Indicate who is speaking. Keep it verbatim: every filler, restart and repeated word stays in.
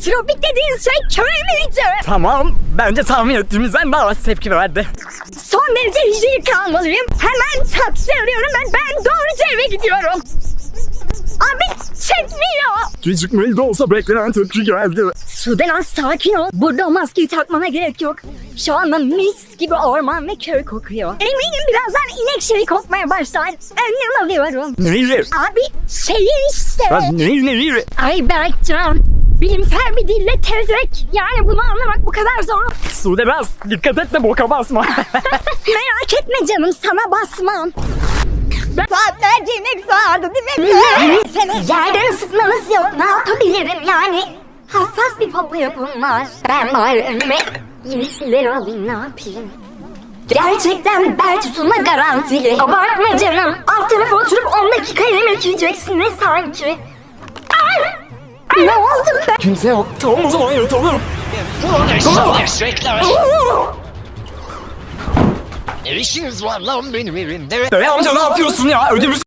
Speaker 1: Tropik dediğin şey köy müydü?
Speaker 2: Tamam, bence tahmin ettiğimizden daha az tepki verdi.
Speaker 1: Son derece hijyenik kalmalıyım. Hemen taksi arıyorum ben. Ben doğruca eve gidiyorum. Abi çekmiyor.
Speaker 2: Gecikmeli de olsa beklenen tepki geldi.
Speaker 1: Sudelan sakin ol. Burada o maskeyi takmana gerek yok. Şu anda mis gibi orman ve köy kokuyor. Eminim birazdan inek şeyi kokmaya başlar. Önlem alıyorum.
Speaker 2: Neyi?
Speaker 1: Abi şeyi işte.
Speaker 2: Ya neyi neyi?
Speaker 1: Ay Berkcan. Bilimsel bir dille tezek. Yani bunu anlamak bu kadar zor.
Speaker 2: Sude biraz dikkat et de boka basma.
Speaker 1: Merak etme canım, sana basmam.
Speaker 3: Saatlerce inek sağardı değil mi?
Speaker 1: Yerden ısıtmanız yok. Ne yapabilirim yani? Hassas bir popo yapım var. Ben bari önüme yeşilleri alayım, ne yapayım? Gerçekten bel tutulma garantili. Abartma canım. Alt tarafa oturup on dakika yemek yiyeceksiniz sanki. Ay! Ay, ne oldu be?
Speaker 2: Kimse yok. Tamam o zaman yatalım.
Speaker 4: Eşekler. Ne işiniz var lan benim evimde?
Speaker 2: Bey amca ne yapıyorsun ya? Ödümüz